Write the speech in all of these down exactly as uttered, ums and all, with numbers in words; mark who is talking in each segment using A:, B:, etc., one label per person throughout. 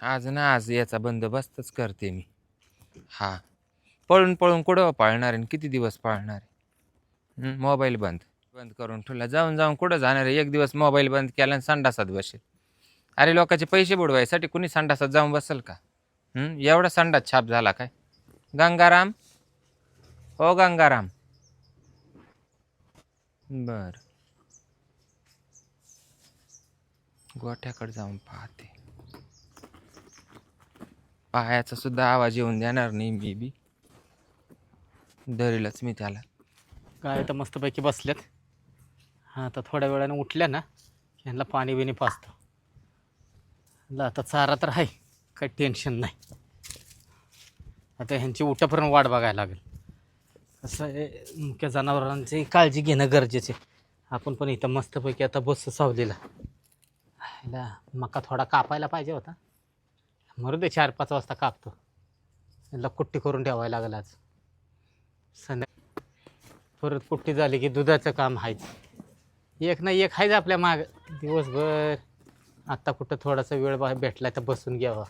A: आज ना आज याचा बंदोबस्तच करते मी. हा, पळून पळून कुठं पाळणार आहे, किती दिवस पाळणार आहे? हं, मोबाईल बंद बंद करून ठेवला. जाऊन जाऊन कुठं जाणार आहे? एक दिवस मोबाईल बंद केला आणि संडासात बसेल. अरे लोकांचे पैसे बुडवायसाठी कुणी संडासात जाऊन बसेल का? हं, एवढा संडास छाप झाला काय? गंगाराम, हो गंगाराम. बर, गोठ्याकडे जाऊन पाहते. पायाचा सुद्धा आवाज येऊन देणार नाही मी बी. धरेलच मी त्याला.
B: काय तर मस्तपैकी बसल्यात. हां, आता थोड्या वेळाने उठल्या ना ह्यांना पाणी बिणी पाजतो. ला आता चारा तर आहे, काही टेन्शन नाही. आता ह्यांची उठापर्यंत वाट बघायला लागेल. कसं आहे, मुख्य जनावरांची काळजी घेणं गरजेचे. आपण पण इथं मस्तपैकी आता बस सावलीला. ह्याला मका थोडा कापायला पाहिजे होता. मरू दे, चार पाच वाजता कापतो. ह्याला कुट्टी करून ठेवायला लागेल आज संध्या. परत कुट्टी झाली की दुधाचं काम आहेच. एक ना एक आहेच आपल्या माग दिवसभर. आत्ता कुठं थोडासा वेळ बा भेटला तर बसून घ्यावा.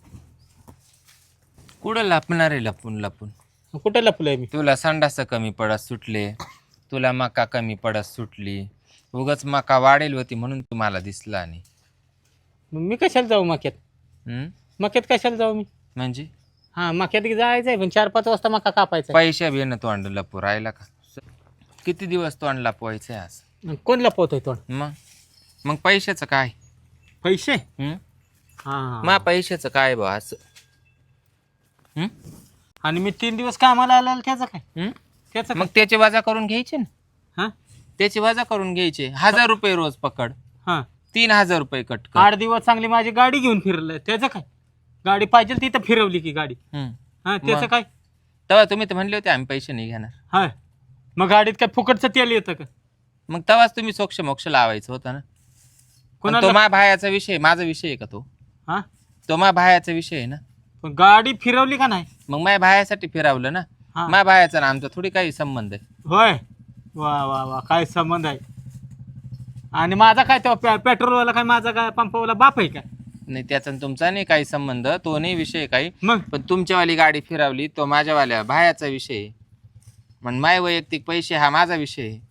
A: कुठं लपणार आहे लपून लपून?
B: कुठं लपलोय मी?
A: तुला संडास कमी पडत सुटले, तुला मका कमी पडत सुटली. उगाच मका वाढेल होती म्हणून तुम्हाला दिसला नाही.
B: मग मी कशाला जाऊ मक्यात?
A: हं?
B: मक्यात कशाला जाऊ मी?
A: म्हणजे
B: हां, मक्यात जायचं आहे पण चार पाच वाजता मका कापायचा.
A: पैशा बियाणं तोंड लपू राहिला का? किती दिवस तोंड लपवायचंय आज?
B: कोण लपवतोय तोंड?
A: मग मग पैशाचं काय?
B: पैसे?
A: हं?
B: हां.
A: मा पैशाचं काय बा असं? हं?
B: आणि मी तीन दिवस कामाला आला त्याचं काय?
A: हं?
B: त्याचं
A: मग त्याचे वजा करून घ्यायचे ना.
B: हां
A: त्याचे वजा करून घ्यायचे. हजार रुपये रोज पकड,
B: हां.
A: तीन हजार रुपये कट कर.
B: आठ दिवस चांगली माझी गाडी घेऊन फिरलं त्याचं काय? गाडी पाहिजे तिथं फिरवली की गाडी.
A: हं.
B: हां, त्याचं
A: मग?
B: काय?
A: तेव्हा तुम्ही तर म्हणले होते आम्ही पैसे नाही घेणार.
B: हाय, मग गाडीत काय फुकटचं तेल येतं का?
A: मग तेव्हाच तुम्ही सोक्ष मोक्ष लावायचं होतं ना. पण
B: कोणाला?
A: तो मा भायाचा विषय, माझा विषय आहे का तो?
B: हां,
A: तो मा भायाचा विषय आहे ना.
B: पण गाडी फिरवली का नाही?
A: मग माझ्या भायासाठी फिरावलं ना.
B: हां.
A: माझ्या भायाचा ना आमचा थोडी काही संबंध आहे.
B: होय, वा वा वा, काय संबंध आहे? आणि माझा काय तेव्हा पेट्रोलवाला काय माझा काय पंपावाला बाप आहे का?
A: नाही, त्याचा आणि तुमचा नाही काही संबंध, तो नाही विषय काही.
B: मग
A: पण तुमच्यावाली गाडी फिरावली तो माझ्यावाल्या भायाचा विषय आहे. मग माय वैयक्तिक पैसे हा माझा विषय आहे.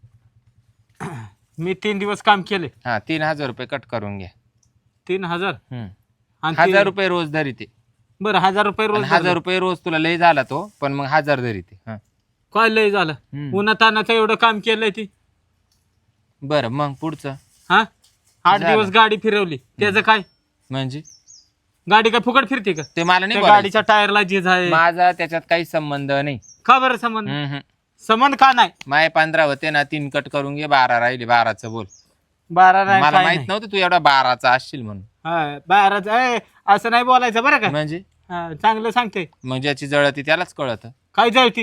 B: मी तीन दिवस काम केले.
A: हा, तीन हजार रुपये कट करून घ्या.
B: तीन हजार
A: हम्म.
B: आणि
A: हजार
B: ते-
A: रुपये रोज धरी ते.
B: बरं, हजार रुपये रोज
A: आणि हजार
B: झालं.
A: रुपये रोज तुला लय झाला तो, पण मग हजार धरी ते. हा.
B: काय लय झालं?
A: हम्म.
B: उन्हा तानाचं एवढं काम केलंय ती.
A: बरं, मग पुढचं
B: हा, आठ
A: झालं.
B: दिवस गाडी फिरवली त्याचं काय?
A: म्हणजे
B: गाडी काय फुकट फिरते का?
A: ते मला नाही
B: त्या
A: बोलायचं.
B: गाडीच्या टायरला झीज आहे.
A: माझा त्याच्यात काही संबंध नाही.
B: का बरं संबंध?
A: हम्म, हम्म.
B: संबंध का नाही?
A: माय पंधरा होते ना, तीन कट करून घे, बारा राहिले. बाराचं बोल.
B: बारा नाही,
A: मला
B: काय
A: माहित
B: नाही.
A: नव्हतं तू एवढा बाराचा असशील म्हणून.
B: हा, बाराच आहे असं नाही बोलायचं बरं का?
A: म्हणजे
B: हा, चांगलं सांगते.
A: मग ज्याची जळती त्यालाच कळत.
B: काय जळती?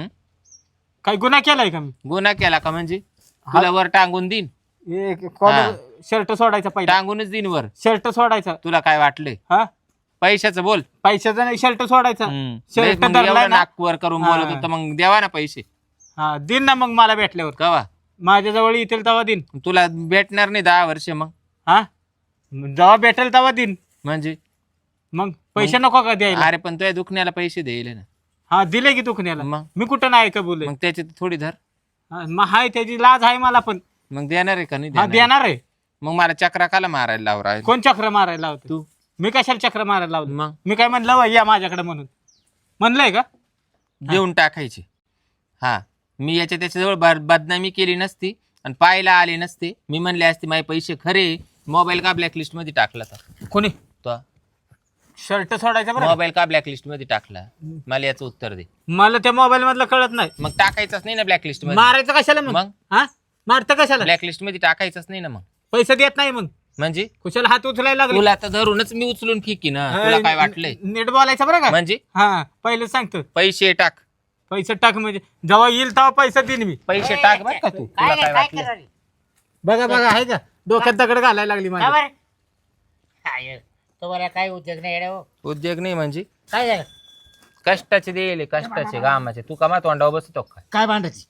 B: काय गुन्हा केलाय का मी?
A: गुन्हा केला का म्हणजे तुला वर टांगून देईन.
B: कॉलर शर्ट सोडायचा पहिला.
A: टांगूनच देईन वर.
B: शर्ट सोडायचा.
A: तुला काय वाटले?
B: हा,
A: पैशाचं बोल.
B: पैशाचा नाही, शर्ट सोडायचा.
A: हम्म.
B: शर्ट
A: मग
B: धरलाय
A: एवढं
B: ना?
A: नाक वर करून
B: हा.
A: बोलत होतं, मग द्यावा ना पैसे.
B: हा, दिन ना मग मला भेटल्यावर.
A: कवा
B: माझ्या जवळ येतील तेव्हा दिन.
A: तुला भेटणार नाही दहा वर्ष. मग
B: हा, जेव्हा भेटेल तेव्हा दिन.
A: म्हणजे
B: मग पैसे नको का द्यायला?
A: अरे पण तुझ्या दुखण्याला पैसे देईल ना.
B: हा, दिले की दुखण्याला.
A: मग
B: मी कुठं नाही का बोले?
A: मग त्याची थोडी धर.
B: मग हाय, त्याची लाज आहे मला पण.
A: मग देणार आहे का नाही
B: हा,
A: देणार?
B: देणार आहे.
A: मग मला चक्रा काला मारायला लावरा?
B: कोण चक्र मारायला लावतो?
A: तू.
B: मी कशाला चक्र मारायला लावलं?
A: मग
B: मी काय म्हणलं वय या माझ्याकडे म्हणून म्हणलंय का?
A: देऊन टाकायची. हा, मी याच्या त्याच्याजवळ बर- बदनामी केली नसती आणि पाहायला आले नसते. मी म्हणले असते माझे पैसे खरे. मोबाईल का ब्लॅकलिस्ट मध्ये टाकला तर
B: कोणी?
A: तो
B: शर्ट सोडायचा बरं का?
A: मोबाईल का ब्लॅकलिस्ट मध्ये टाकला? मला याचं उत्तर दे.
B: मला त्या मोबाईल मधलं कळत नाही.
A: मग टाकायचंच नाही ना ब्लॅकलिस्ट मध्ये.
B: मारायचं कशाला मग?
A: मग
B: हा, मारतं कशाला?
A: ब्लॅकलिस्ट मध्ये टाकायचंच नाही ना. मग
B: पैसे देत नाही मग
A: म्हणजे
B: कुशाला हात उचलायला लागले.
A: तुला तर धरूनच मी उचलून फेकी ना. तुला काय वाटलंय?
B: नीट बोलायचं बरं का?
A: म्हणजे
B: हा, पहिले सांगतो.
A: पैसे टाक.
B: पैसे टाक म्हणजे जेव्हा येईल तेव्हा पैसे देईन मी.
A: पैसे टाक बरं का तू. तुला काय वाटलं?
B: बघा बघा, आहे का डोक्यात दगड घालायला लागली माझ्या.
C: बरं काय तुम्हाला काय उद्योग नाही येडे हो?
A: उद्योग नाही म्हणजे
C: काय झालं?
A: कष्टाचे देले, कष्टाचे गामाचे. तू कमा तोंडावर बसतो काय?
C: काय भांडायची?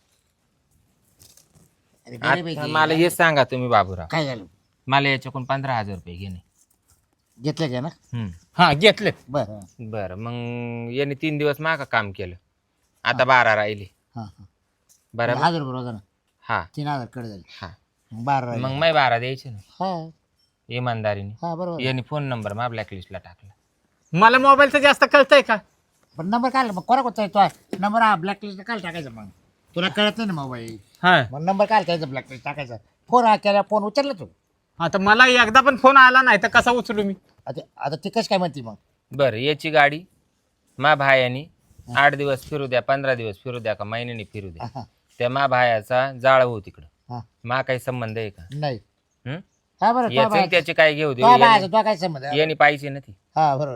C: अरे
A: आता
C: बरेपैकी.
A: मला हे सांगा तुम्ही बाबूराव,
C: काय झालं?
A: मला याच्याकडून पंधरा हजार रुपये घेणे.
C: घेतलं का ना
A: हम्म.
B: हा घेतलेत.
C: बरं
A: बरं मग याने तीन दिवस मागा काम केलं आता बारा राहिले
C: हां हां
A: बरोबर
C: हजार रुपये रोजानं
A: हा
C: तीन हजार कडे झाले
A: हा
C: मग बारा राहिले.
A: मग मै बारा द्यायचे ना
C: हा
A: इमानदारीने
C: हा बरोबर
A: याने फोन नंबर मा ब्लॅकलिस्टला टाकला
B: मला मोबाईलचं जास्त कळतंय का?
C: पण नंबर काय मग कोणा कोणता तो नंबर हा ब्लॅकलिस्ट काय टाकायचा मग तुला कळत नाही ना मोबाईल
B: हा
C: मग नंबर काय टाकायचा ब्लॅकलिस्ट टाकायचा फोन हा केला फोन उचलला तू
B: आता मला एकदा पण फोन आला नाही तर कसा उचलू मी?
C: आता आता ती कशी काय म्हणते मग
A: बरं याची गाडी मा भायानी आठ दिवस फिरू द्या पंधरा दिवस फिरू द्या का महिन्याने फिरू द्या
C: हा
A: त्या मा भायाचा जाळ हो तिकडं
C: हा
A: मा काही संबंध आहे का
C: नाही
A: हं?
C: हा बरं तो
A: याचं आणि
C: बाय-
A: त्याचे काय घेऊ दे
C: तो बायचा, तो काय संबंध आहे?
A: याने पाहिजे ना ती
C: हा बरोबर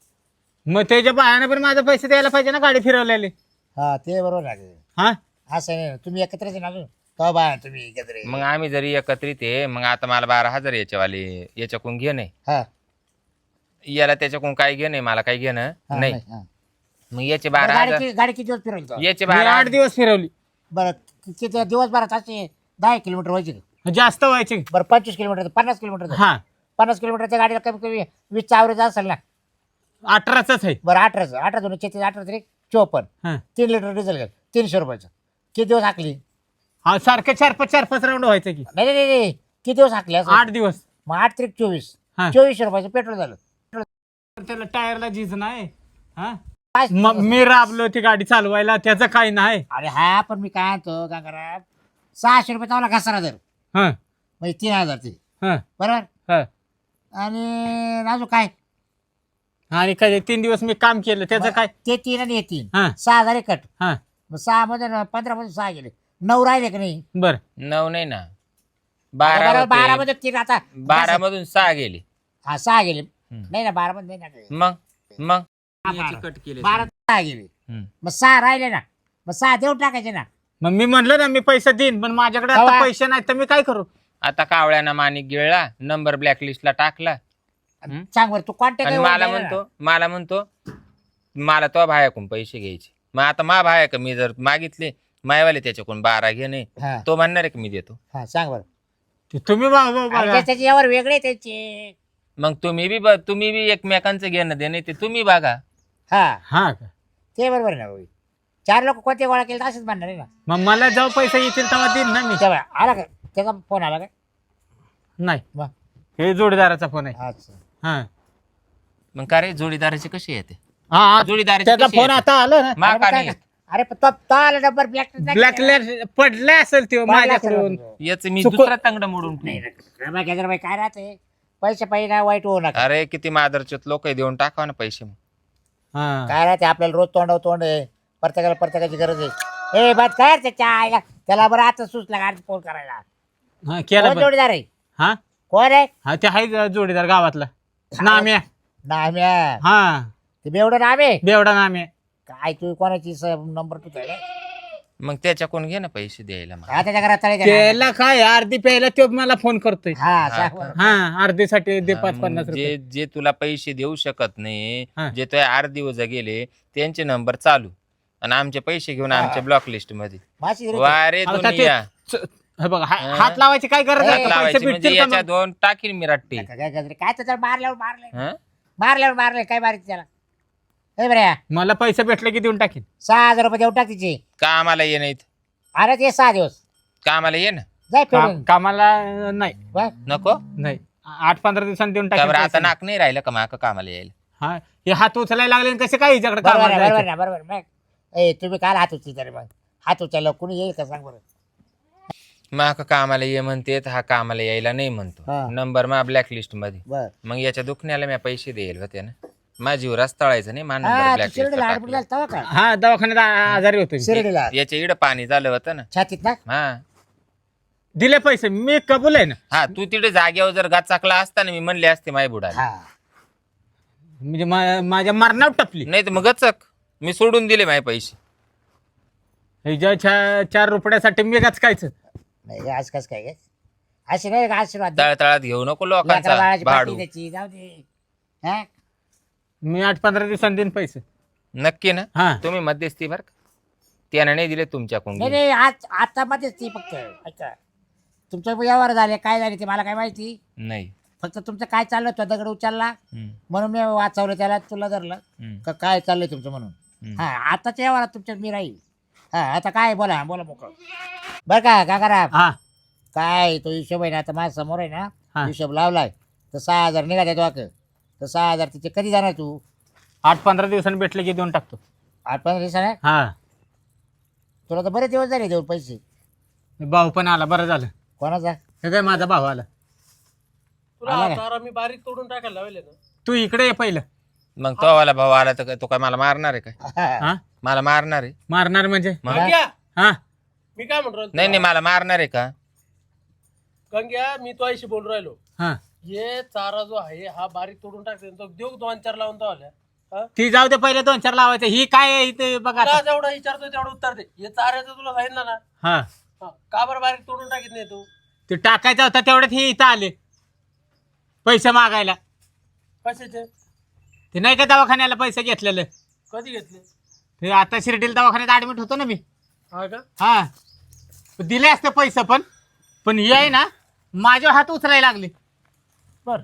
B: मग त्याच्या बायाने पण माझे पैसे द्यायला पाहिजे ना गाडी फिरवलेली.
C: हा ते बरोबर आहे
B: हा
C: असं नाही ना, तुम्ही एकत्रच आहे ना अजून तो बाय तुम्ही एकत्र आहे.
A: मग आम्ही जरी एकत्रित आहे मग आता मला बारा हजार याच्यावाले याच्याकडून घे नाही
C: हा
A: याला त्याच्याकडून काय घे नाही मला काही घेणं
C: हा,
A: नाही
C: हा.
A: मग याचे
C: बरं,
A: बारा
C: गाडी
A: हजार
C: कि- गाडी किती दिवस फिरवली तो?
A: याचे
B: मी
A: बारा
B: आठ दिवस फिरवली.
C: बरं किती दिवसभरात असे दहा किलोमीटर व्हायचे का?
B: जास्त व्हायचे.
C: बरं पंचवीस किलोमीटर पन्नास किलोमीटर
B: हा
C: पन्नास किलोमीटरच्या गाडीला कमी कमी वीसचा ॲव्हरेज असेल ना
B: अठराच आहे.
C: बरं अठराचं अठरा दोन छत्तीस अठरा तरी चोपन्न
B: हा
C: तीन लिटर डिझेल घ्या तीनशे रुपयाचं किती दिवस हाकली
B: हा सारखे चार पाच चार पाच राऊंड व्हायचे की.
C: नाही नाही नाही किती दिवस हाकले असं?
B: आठ दिवस.
C: मग आठ त्रिक चोवीस
B: हा.
C: चोवीसशे रुपयाचं पेट्रोल झालं
B: त्याला टायरला झीज नाही. हा
C: पाच-
B: मग मी राबलो ती गाडी चालवायला त्याचं काही नाही.
C: अरे हा पण मी काय म्हणतो गंगाराम सहाशे रुपये चावला घासारा जर
B: हा
C: म्हणजे तीन हजार ते
B: हा
C: बरोबर
B: हा
C: आणि अजून काय
B: आणि काय तीन दिवस मी काम केलं त्याचं काय?
C: ते तीन आणि हे तीन
B: हा
C: सहा हजार कट
B: हा
C: मग सहा मध्ये न- पंधरा मध्ये सहा गेले नऊ राहिले का नाही
B: बर
A: नऊ नाही ना
C: बरोबर,
A: बारा
C: बारा
A: होते.
C: मध्ये तीन आता
A: बारा मधून सहा गेले
C: हा सहा गेले
A: हम्म.
C: नाही ना बारा मध्ये नाही ना
A: मग मग
C: हा,
A: याची
C: बारा.
A: कट केले
C: बारा सहा गेले
A: हम्म.
C: मग सहा राहिले ना मग सहा देऊन टाकायचे ना
B: मग मी म्हणलं ना मी पैसे देईन पण माझ्याकडे आता
C: कवा?
B: पैसे नाहीत तर मी काय करू?
A: आता कावळ्यानं माणिक गिळला नंबर ब्लॅकलिस्टला टाकला हम्म.
C: सांग बरं तू कॉन्टॅक्ट
A: आणि मला म्हणतो मला म्हणतो मला तो भायाकडून पैसे घ्यायचे मग आता मा भाया का मी जर मागितले मायवाले त्याच्याकडून बारा घे नाही
C: हा
A: तो म्हणणार आहे की मी देतो
C: हा सांग बरं
B: ते तुम्ही बघा- बघा-
C: अरे
B: बघा.
C: ते- त्याचे यावर वेगळे त्याचे
A: मग तुम्ही बी ब- तुम्ही बी एकमेकांचं घेणं देणं ते तुम्ही बघा
C: हा
B: हा का?
C: ते बरोबर आहे ना भाऊ चार लोक कोणते गोळा केले तर असंच म्हणणार आहे ना
B: मग मला जेव्हा पैसे येतील तेव्हा देईन ना मी.
C: तेव्हा आला का त्याचा फोन आला का
B: नाही
C: मग
B: हे जोडीदाराचा फोन आहे.
C: अच्छा
B: हा
A: मग का रे जोडीदाराचे कसे येते
B: हा हा.
A: जोडीदाराचे
B: त्याचा
A: कसे
B: फोन
A: येते?
B: आता आला ना.
A: मा
C: अरे
A: का
C: मग काय
A: नाही
C: का- अरे पण तो तो आला नंबर ब्लॅक
B: ब्लॅक पडले असेल ते माझ्याकडून.
A: याच मी
B: चुक-
A: दुसरा तांगडा मोडून ठेवीन.
C: बाई काय राहते पैसे पाहिजे ना वाईट होऊ नका
A: अरे किती मादरचोत लोक देऊन टाकाव ना पैसे मग.
B: हा
C: काय राहते आपल्याला रोज तोंडावर तोंड आहे प्रत्येकाला प्रत्येकाची गरज आहे ए बात काय रे त्याच्या आईला त्याला बरं आता सुचला का फोन करायला
B: हा केलं
C: कोण
B: पण.
C: जोडीदार आहे
B: हा
C: कोण आहे
B: हा ते आहे जोडीदार गावातला नाम्या.
C: नाम्या
B: हा
C: ते बेवडं नामे
B: बेवडा नाम्या. काय
C: काय तू कोणाची नंबर तू आहे
A: मग त्याच्याकडून घे ना पैसे द्यायला मग.
C: हा त्याच्या घरात चालेल का?
B: त्याला काय अर्धी प्यायला तो मला फोन करतोय.
C: हा सांग बरं.
B: हा अर्धीसाठी दे
A: हा,
B: पाच
A: मग
B: पन्नास रुपये.
A: जे जे तुला पैसे देऊ शकत नाही
B: हा.
A: जे तो आठ दिवस गेले त्यांचे नंबर चालू आणि आमचे पैसे घेऊन आमच्या ब्लॉक लिस्ट मध्ये
C: माशी रे.
A: वारे
B: आता ते-
A: दुनिया
B: च- हे बघा हा-
A: हा.
B: हात लावायची काय गरज
C: हात
B: आहे
A: हात
B: का? पैसे
A: लावायचे म्हणजे
B: भेटतील का
A: याच्या
B: मग?
A: दोन टाकीन मी रट्टी
C: काय काय गजरे? काय तर मारल्यावर मारले
A: हं?
C: मारल्यावर मारले काय मारायचं त्याला हे बरं
B: मला पैसे भेटले की देऊन टाकीन.
C: सहा हजार रुपये देऊन टाक तिचे
A: कामाला ये नाहीत
C: अरे ते सहा दिवस
A: कामाला ये ना
C: जाय
B: का-
C: फिरून
B: कामाला नाही
C: बरं.
A: नको
B: नाही आठ पंधरा दिवसांनी देऊन
A: का बरं
B: टाकीन
A: आता
B: पैसे.
A: नाक नाही राहिलं का माका कामाला यायला
B: हा हे हात उचलायला लागले आणि कसे काय हिच्याकडे
C: बरोबर
B: कामाला
C: आहे, बरोबर
B: जायचं?
C: ना बरोबर मग ए तुम्ही काय हात उचली तरी मग हात उचलला कुणी येईल का सांग बरं
A: माका कामाला ये म्हणते हा कामाला यायला नाही
C: हा.
A: म्हणतो नंबर मा ब्लॅक लिस्ट मध्ये
C: बर
A: मग याच्या दुखण्याला मी पैसे देईल होते ना माझी रस तळायचं नाही मान
C: हा
A: नंबर
C: तू
A: ब्लॅक
C: शिर्डीला
A: लिस्ट
C: ऍडमिट झाला तेव्हा का
B: हा दवाखान्यात आ- आजारी होतो मी.
C: शिर्डीला
A: याच्या इकडं पाणी झालं होतं ना
C: छातीत ना
A: हा
B: दिले पैसे मी कबूल आहे ना.
A: हा तू तिथे जागेवर जर गाचाकला असता ना मी म्हणले असते माय बुडा
C: हा
B: म्हणजे मा- माझ्या मरणावर टपली.
A: नाही तर मग गचक मी सोडून दिले माझे पैसे
B: हिच्या चा- चार रुपयासाठी मी गचकायचं.
C: नाही आज कस काय गे अशी नाही का आशीर्वाद
A: तळतळात घेऊ नको
C: लेकरं
A: लोकांचा
C: बाळाची
A: भाडू
C: पाठी द्यायची, जाऊ दे हा
B: मी आठ पंधरा दिवसांनी देईन पैसे.
A: नक्की ना
B: हा
A: तुम्ही मध्यस्थी बर का त्यानं नाही दिले तुमच्याकडून
C: नाही
A: घेऊन.
C: नाही आज आता मध्येच ती फक्त ऐका तुमचे व्यवहार झाले काय झाले ते मला काय माहिती
A: नाही
C: फक्त तुमचं काय चाललं तो दगड उचलला
A: हम्म,
C: म्हणून मी वाचवलं त्याला तुला धरलं
A: हम्म,
C: का काय चाललंय तुमचं म्हणून
A: हम्म.
C: हा आताच्या व्यवहारात तुमच्यात मी राहील हा आता काय बोला बोला मोकळ बरं का काकाराम
B: हा
C: काय तो हिशोब आहे ना आता माझ्या समोर आहे ना
B: हा.
C: हिशोब लावलाय तर सहा हजार निघाले तो वाक तर सहा हजार तिचे कधी जाणार तू
B: आठ पंधरा दिवसांनी भेटले की देऊन टाकतो.
C: आठ पंधरा दिवसाने
B: हा
C: तुला तर बरेच दिवस झाले देऊन पैसे
B: भाऊ पण आला, बरं झालं.
C: कोणाचा
B: हे काय माझा भाऊ आला.
D: तुला
C: आला का?
D: तारा मी बारीक तोडून टाकायला लावले ना.
B: तू इकडे ये पहिलं.
A: मग तो वाला भाऊ आला तर काय- तो काय मला मारणार आहे काय
B: हा
A: मला मारणार आहे
B: मारणार म्हणजे
A: मग?
D: गंग्या
B: हा
D: मी काय म्हणतो
A: नाही नाही मला मारणार आहे का
D: गंग्या मी तो आईशी बोलून राहिलो.
B: हा
D: हे चारा जो आहे हा बारीक तोडून टाकते तो देऊ दोन चार लावून तो आल्या. हा?
B: ती जाऊ दे, पहिले दोन चार लावायचं. ही काय आहे इथे बघा
D: तुला
B: आता.
D: जेवढं विचारतो तेवढं उत्तर दे. हे चाऱ्याचं तुला सांगितलं ना.
B: हा
D: हा. का बरं बारीक तोडून टाकीत नाही तू
B: ते टाकायचा होता तेवढ्यात हे इथं आले पैसे मागायला.
D: कशाचे
B: ते नाही का दवाखान्याला पैसे घेतलेले,
D: कधी घेतले
B: ते आता शिर्डीला दवाखान्यात ऍडमिट होतो ना मी.
D: हा का
B: हा दिले असते पैसे, पण पण हे आहे ना माझ्या हात उचलायला लागले.
D: बर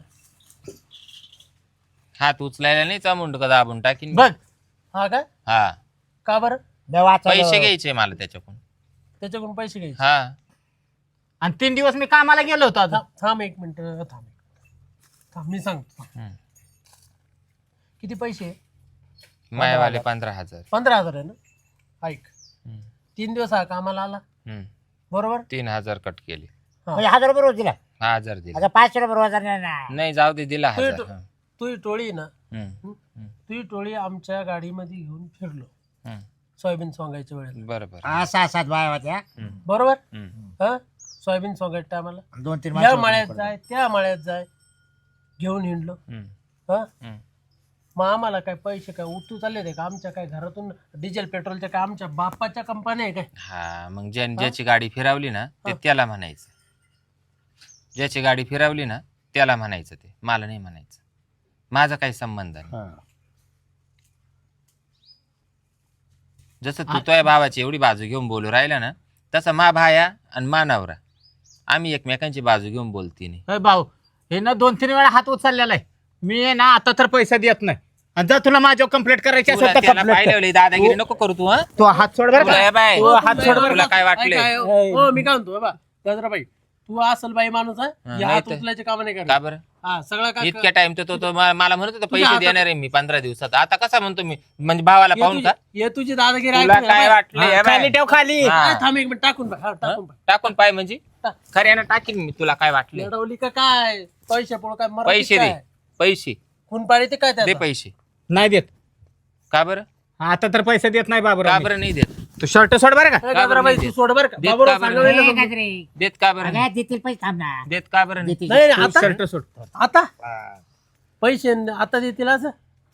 A: हात उचलायला नाही चामुंड का दाबून टाकीन
B: बघ
D: हा का
A: हा
D: का बरं
C: मी वाचवलं.
A: पैसे घ्यायचे मला त्याच्याकडून
D: त्याच्याकडून पैसे घ्यायचे.
A: हा
B: आणि तीन दिवस मी कामाला गेलो होतो आता.
D: थांब थांब एक मिनिट थांब एक मिनिट. थांब मी सांगतो.
A: हम्म.
D: किती पैसे
A: मायवाले पंधरा हजार
D: पंधरा हजार आहे ना. ऐक
A: हम्म,
D: तीन दिवस हा कामाला आला
A: हम्म.
D: बरोबर.
A: तीन हजार कट केले
C: म्हणजे हजार रुपये रोज दिला
A: हा हजार दिले
C: आता पाचशे रुपये रोज नाही ना
A: नाही जाऊ दे दिला
D: तू
A: हजार
D: इथं-
A: हा.
D: तू ही टोळी ना
A: हम्म,
D: तुझी टोळी आमच्या गाडीमध्ये घेऊन फिरलो
A: हम्म.
D: सोयाबीन सोंगायच्या वेळेला
A: बरं बरं
C: हा सहा सात बाया होत्या
A: हम्म,
D: बरोबर.
A: हम्म.
D: हा सोयाबीन सोंगायच्या टायमाला
C: दोन तीन
D: या
C: माणसं
D: मळ्यात
C: होती.
D: जाय त्या मळ्यात जाय घेऊन हिंडलो.
A: हम्म,
D: हा
A: हम्म.
D: मग आम्हाला काय पैसे काय उतू चालले ते का आमच्या काय घरातून डिझेल पेट्रोलच्या काय आमच्या बापाच्या कंपन्या आहे काय.
A: हा मग ज्या ज्याची गाडी फिरवली ना ते त्याला म्हणायचं, ज्याची गाडी फिरवली ना त्याला म्हणायचं, ते मला नाही म्हणायचं. माझा काही संबंध नाही.
C: हा.
A: जसं तू तुझ्या भावाची एवढी बाजू घेऊन बोलू राहिला ना तसं मा भाया आणि मा नवरा आम्ही एकमेकांची बाजू घेऊन बोलती नाही.
B: अय भाऊ, हे ना दोन तीन वेळा हात उचललेला आहे. मी आहे ना आता तर पैसा देत नाही. आणि जर तुला माझ्यावर कंप्लेंट करायची
A: तुला
B: असेल तर
A: त्याला
B: complaint कर.
A: पाहिलं दादागिरी नको करू तू. हा
B: तो हात सोड बरं
A: तुला हे
B: का.
A: बाय,
B: तू हात सोड बरं
A: तुला
B: का.
A: काय वाटले
D: काय हो मी काय म्हणतो बाबा गजराबाई तू असल बाई माणूस आहे
A: हा,
D: हे
A: नाही
D: हात
A: तर-
D: उचलायचे काम नाही
A: का
D: करत.
A: बरं
D: हा सगळं काय
A: इतक्या टाइम तर तो तो मा- मला म्हणत होता पैसे
D: हातात-
A: देणार आहे मी पंधरा दिवसात. आता कसा म्हणतो मी म्हणजे भावाला
D: हे
A: पाहून
D: तुझी-
A: का
D: हे तुझी दादागिरी
A: तुला
D: ऐकून
A: काय
D: घे.
A: वाटले
B: हा,
A: हे बाय.
B: खाली ठेव खाली.
A: हा.
D: काय थांब एक मिनिट टाकून पाय. हा टाकून पाय.
A: टाकून पाय म्हणजे
D: टाक.
A: खऱ्यानं टाकीन मी. तुला काय वाटले
D: लढवली का काय पैसे पोळ काय मराठीत
A: पैसे दे
D: काय?
A: पैसे
D: खून पाडी ते काय
A: दे
D: त्याचा?
A: पैसे.
B: नाही देत.
A: का बरं
B: आता तर पैसे देत नाही बाबा.
A: का बरं नाही देत
B: तू शर्ट सोड बरं का.
D: ए, गजराबाई,
A: नाही
D: तू
A: देत.
D: सोड बरं का
A: देत
D: बाबूराव
A: का बरं
D: सांगायला
C: ए,
D: नको.
C: गजरे.
A: देत का बरं नाही?
C: अगं, देतील पैसे थांब ना
A: देत का बरं नाही?
C: देतील.
D: नाही नाही,
B: तू
D: आता
B: शर्ट सोड.
D: आता
C: हा.
D: पैसे न- आता देतील असं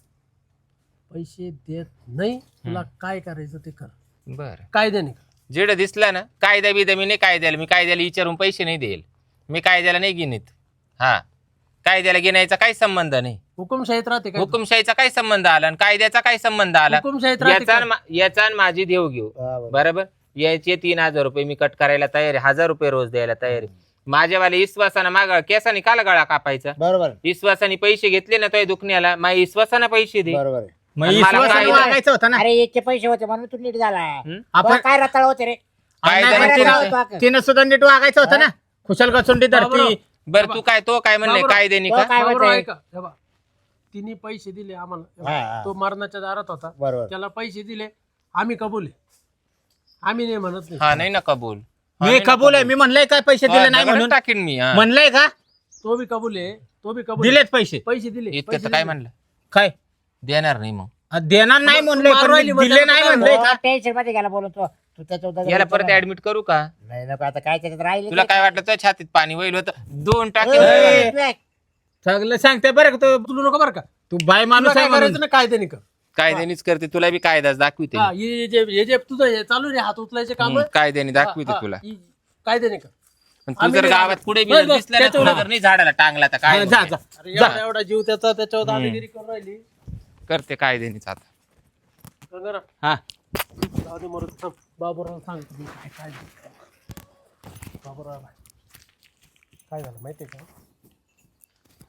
D: पैसे देत नाही. तुला काय करायचं ते कर.
A: बरं
D: कायद्याने कर.
A: जेवढं दिसलं ना कायदा बिदा मी नाही कायद्याला मी कायद्याला विचारून पैसे नाही देईल. मी कायद्याला नाही गिनीत. हा कायद्याला गिनायचा काही संबंध नाही.
D: हुकुमशाहीत राहते काय
A: हुकुमशाहीचा काय संबंध आला आणि कायद्याचा काय संबंध आला.
D: हुकुमशाहीत राहते
A: याचा
D: काय?
A: आणि मा- याचा आणि माझी देव घेऊ
C: हा, बरोबर.
A: बरोबर. याचे तीन हजार रुपये मी कट करायला तयार आहे. हजार रुपये रोज द्यायला तयार आहे. माझ्यावाले विश्वासानं माग केसाने काला गळा कापायचा.
C: बरोबर
A: विश्वासाने पैसे घेतले ना तो दुखण्याला माझ्या विश्वासानं पैसे दे.
C: बरोबर आहे.
B: मग
A: आणि मला
B: विश्वासाने
A: काय-
B: वागायचं होतं ना.
C: अरे याचे पैसे होते म्हणून तू नीट झाला
A: हम्म?
B: आपण
C: तुला काय रताळ होते रे
A: काय
B: नाही,
A: द्यायला
B: पण
C: रताळ
A: तिला-
C: होतो अगं.
B: तिनं सुद्धा नीट वागायचं होतं ना. खुशाल गचुंडी
D: बाबूराव.
B: धरती.
A: बरं तू काय तो काय म्हणले
D: बाबूराव.
A: कायद्याने
C: तो
A: का
C: काय
D: बाबूराव
C: म्हणतोय?
D: ऐका हे बघ. तिने पैसे दिले आम्हाला.
C: हा, हा.
D: तो मरणाच्या दारात होता.
C: बरोबर
D: त्याला पैसे दिले आम्ही कबूल आहे. आम्ही नाही म्हणत नाही.
A: हा नाही ना कबूल. हा,
B: मी
A: नाही ना
B: कबूल आहे. मी म्हणलंय काय पैसे
A: हा,
B: दिले नाही
A: दगडच
B: म्हणून.
A: टाकीन मी. हा.
B: म्हणलंय का
D: तो बी कबूल आहे तो बी कबूल आहे.
B: दिलेत पैसे.
D: पैसे दिले
A: इतकं
D: पैसे
A: तर काय
D: दिले.
A: म्हणलं
B: काय
A: देणार नाही मग.
B: आ, देणार नाही
D: तू
B: म्हणलंय
D: मारू
B: पण
D: राहिली
B: मी
D: मग
B: दिले
D: त्याचं
B: नाही
D: काय
B: म्हणलंय का.
C: टेन्शन मध्ये गेला बोलून तो तू त्याच्या
A: याला परत ऍडमिट करू का.
C: नाही नको आता काय त्याच्यात राहिले
A: तुला काय वाटलं तुझ्या छातीत पाणी वैल होतं दोन टाके
B: ए, सगळं सांगते बरं का तू.
D: तुला नको बरं का
B: तू बाय
D: तुला
B: माणूस
D: काय
B: आहे म्हणून.
D: करायचं ना कायद्याने कर.
A: कायद्यानेच करते तुला बी कायदाच दाखविते.
D: हा, हे जे हे जे तुझं हे चालू रे हात उचलायचे काम
A: हम्म, कायद्याने दाखविते तुला.
D: कायद्याने कर.
A: पण तू
D: आम्ही
A: जर
D: नाही
A: गावात
D: बस,
A: कुठे
D: बस,
A: दिसला ना
D: त्याच्यावर-
A: तुला जर नाही झाडाला टांगला तर काय
B: हा, जा
A: होतंय?
B: जा
D: अरे एवढा एवढा जीव त्याचा त्याच्यावर दादागिरी करून राहिली.
A: करते कायद्यानेच आता.
D: गंगारा,
B: हा
D: जाऊ दे मरू दे, थांब. बाबूराव सांग तुम्ही काय काय झालं. बाबूराव काय झालं माहितीये का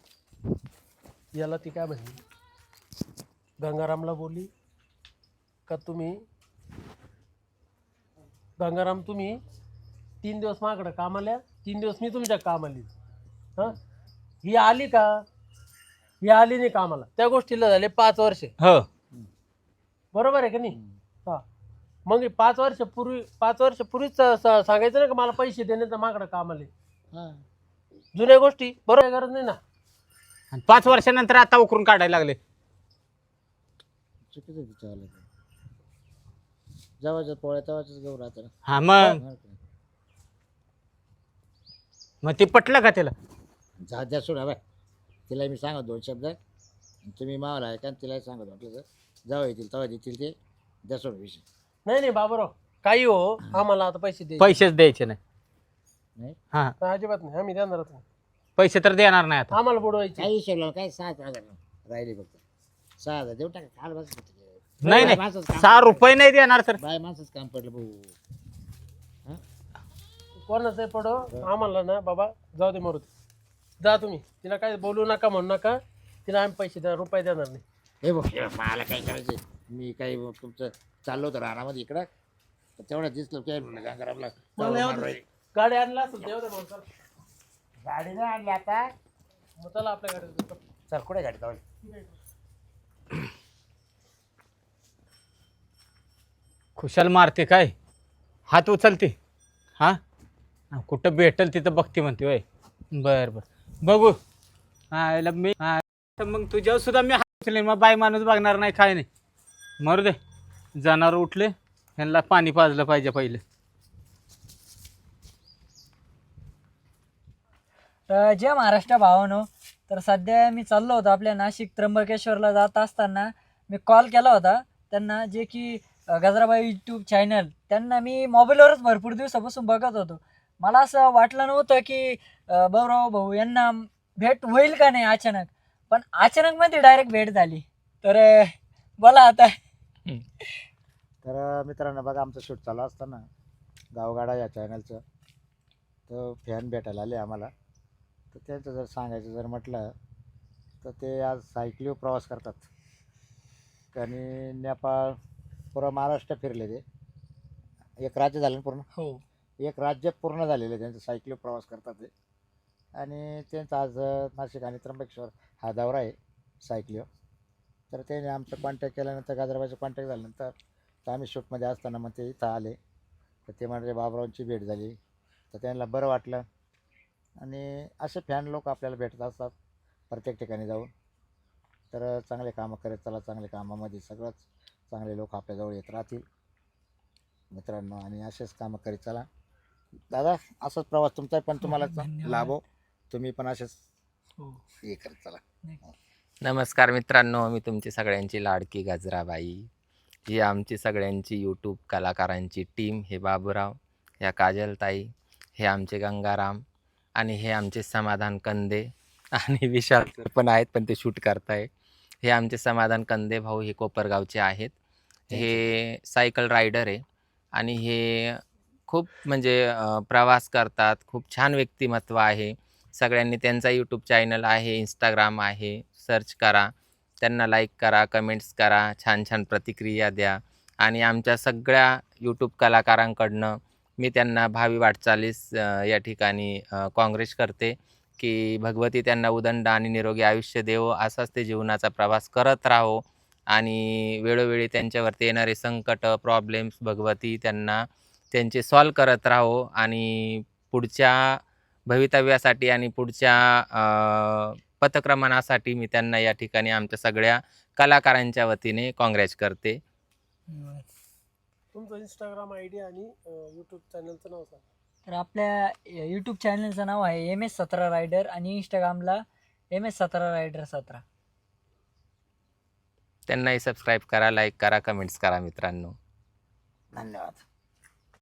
D: याला ती काय म्हणली, गंगारामला बोलली का तुम्ही गंगाराम तुम्ही तीन दिवस माझ्याकडे कामाला, तीन दिवस मी तुमच्या कामाली. हां ही आली का, ही आली नाही कामाला, त्या गोष्टीला झाले पाच वर्ष.
B: हो
D: बरोबर आहे का नाही? हा मग हे पाच वर्षापूर्वी पाच वर्षापूर्वीच स- स- सांगायचं ना का मला पैसे देण्याचं माझ्याकडे कामाले.
C: हा.
D: जुन्या गोष्टी बरोबर आहे, गरज नाही ना.
B: आणि पाच वर्षानंतर आता उकरून काढायला लागले.
C: चुकीचं तिच्यावालं ते. जेव्हाच्या पोळ्या तेव्हाच गहू राहतं ना.
B: हा मग मग ते पटलं का त्याला?
C: जा द्या सोडा बाय, तिला मी सांगत दोन शब्द, तुम्ही मावाला आहे का तिलाही सांगत म्हटलं तर जेव्हा येतील तेव्हा देतील ते, द्या सोडा विषय.
D: नाही नाही बाबूराव, काही हो आम्हाला आता पैसे दे.
B: पैसेच द्यायचे नाही.
C: नाही
B: हा
D: अजिबात नाही, आम्ही देणारच नाही.
B: पैसे तर देणार नाही आता.
D: आम्हाला बुडवायचे.
C: काही हिशोब लावून काय सहा हजार राहिले फक्त, सहा हजार देऊ टाका. काल बस
B: नाही
C: बाय
B: नाही
C: माणसाचं काम
B: सहा
C: पडलं.
B: रुपये नाही देणार सर.
C: बाय माणसंच काम पडलं भाऊ.
D: कोणाचं पडो आम्हाला ना बाबा, जाऊ दे मरू दे. जा तुम्ही, तिला काय बोलू नका म्हणू नका, तिला आम्ही पैसे द्या, रुपये देणार नाही.
C: हे बघ मला काय करायचं, मी काही तुमचं चाललो होतं रानामध्ये इकडं, तर तेवढं दिसलं काय गंगारामला
D: मला एवढं- गाडी आणला असेल तेवढं मग चल.
C: गाडी नाही आणली आता.
D: मग चला आपल्या गाडीत.
C: चल कुठे गाडी जाऊ.
B: खुशाल मारते काय, हात उचलते. हा कुठं भेटल तिथं बघते म्हणते वय. बर बर बघू. हा याला मी हा, तर मग तुझ्यावर सुद्धा मी हात उचलेन. मग बाई माणूस बघणार नाही काय नाही. मरू दे, जनावर उठले, ह्यांना पाणी पाजलं पाहिजे पहिलं.
E: तर जे महाराष्ट्र भावानो, तर सध्या मी चाललो होतो आपल्या नाशिक त्र्यंबकेश्वरला जात असताना मी कॉल केला होता त्यांना, जे की अ, गजराबाई यूट्यूब चॅनल, त्यांना मी मोबाईलवरच भरपूर दिवसापासून बघत होतो. मला असं वाटलं नव्हतं की अ, भाऊराव भाऊ यांना भेट होईल का नाही अचानक, पण अचानकमध्ये डायरेक्ट भेट झाली. तर अ, बोला आता.
C: तर मित्रांनो बघा, आमचं शूट चालू असताना गावगाडा या चॅनलचं तर फॅन भेटायला आले आम्हाला. तर त्यांचं जर सांगायचं जर म्हटलं तर ते आज सायकलीवर प्रवास करतात आणि नेपाळ पूर्ण महाराष्ट्र फिरले. ते एक राज्य झालं ना पूर्ण,
E: हो
C: एक राज्य पूर्ण झालेलं आहे त्यांचं, सायकलीवर प्रवास करतात ते. आणि त्यांचं आज नाशिक आणि त्र्यंबकेश्वर हा दौरा आहे सायकलीवर. तर त्याने आमचं कॉन्टॅक्ट केल्यानंतर, गाजराबाईचं कॉन्टॅक्ट झाल्यानंतर, तर आम्ही शूटमध्ये असताना मग ते इथं आले. तर ते म्हणजे बाबरावांची भेट झाली, तर त्यांना बरं वाटलं. आणि असे फॅन लोक आपल्याला भेटत असतात प्रत्येक ठिकाणी जाऊन. तर चांगले कामं करत चला, चांगले कामामध्ये सगळंच चांगले लोक आपल्याजवळ येत राहतील मित्रांनो. आणि असेच कामं करीत चला दादा. असाच प्रवास तुमचा पण तुम्हाला लाभो, तुम्ही पण असेच
E: हो
C: हे करत चला.
A: नमस्कार मित्रांनो, मी तुमची सगळ्यांची लाडकी गजराबाई. ही आमची सगळ्यांची यूट्यूब कलाकारांची टीम. हे बाबूराव, ह्या काजलताई, हे आमचे गंगाराम, आणि हे आमचे समाधान कंदे, आणि विशाल सर पण आहेत पण ते शूट करताय. हे आमचे समाधान कंदे भाऊ, हे कोपरगावचे आहेत. हे सायकल रायडर आहे आणि हे खूप म्हणजे अ, प्रवास करतात. खूप छान व्यक्तिमत्व आहे. सगळ्यांनी त्यांचा यूट्यूब चॅनल आहे, इंस्टाग्राम आहे, सर्च करा, त्यांना लाईक करा, कमेंट्स करा, छान छान प्रतिक्रिया द्या. आणि आमच्या सगळ्या यूट्यूब कलाकारांकडनं मी त्यांना भावी वाटचालीस अ, या ठिकाणी अ, काँग्रेस करते की भगवती त्यांना उदंड आणि निरोगी आयुष्य देवो. असाच ते जीवनाचा प्रवास करत राहो आणि वेळोवेळी त्यांच्यावरती येणारे संकट, प्रॉब्लेम्स भगवती त्यांना त्यांचे सॉल्व करत राहो. आणि पुढच्या भवितव्यासाठी आणि पुढच्या अ, पथक्रमणासाठी मी त्यांना या ठिकाणी आमच्या सगळ्या कलाकारांच्या वतीने काँग्रेस करते.
D: तुमचं इंस्टाग्राम आय डी आणि यूट्यूब चॅनलचं नाव सांगा.
E: तर आपल्या यूट्यूब चॅनलचं नाव आहे एम एस सतरा रायडर आणि इंस्टाग्रामला एम एस सतरा रायडर सतरा.
A: त्यांनाही सबस्क्राईब करा, लाईक करा, कमेंट्स करा मित्रांनो.
C: धन्यवाद.